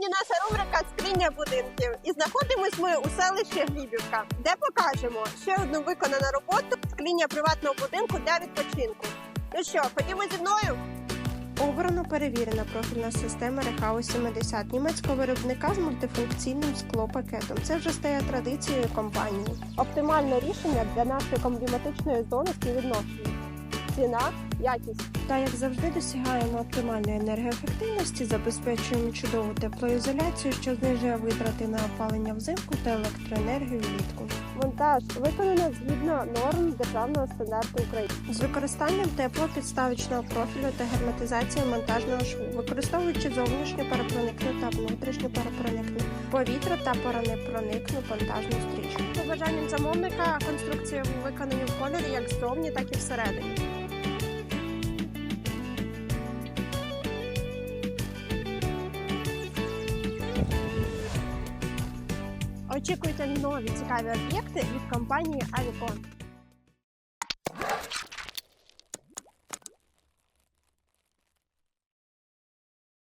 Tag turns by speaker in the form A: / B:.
A: Сьогодні наша рубрика «Скриня будинків». І знаходимось ми у селищі Глібівка, де покажемо ще одну виконану роботу скриня приватного будинку для відпочинку. Ну що, ходімо зі мною? Обрано перевірена профільна система Рехау 70 німецького виробника з мультифункційним склопакетом. Це вже стає традицією компанії. Оптимальне рішення для нашої кліматичної зони співвідношення. Ціна, якість. Та, як завжди, досягаємо оптимальної енергоефективності, забезпечуємо чудову теплоізоляцію, що знижує витрати на опалення взимку та електроенергію влітку. Монтаж виконано згідно норм державного стандарту України. З використанням теплопідставочного профілю та герметизацією монтажного шву, використовуючи зовнішню паропроникну та внутрішню паропроникну, повітря та паронепроникну монтажну стрічку. За бажанням замовника конструкції виконані в кольорі як ззовні, так і всередині. Очікуйте нові цікаві об'єкти від компанії Авікон.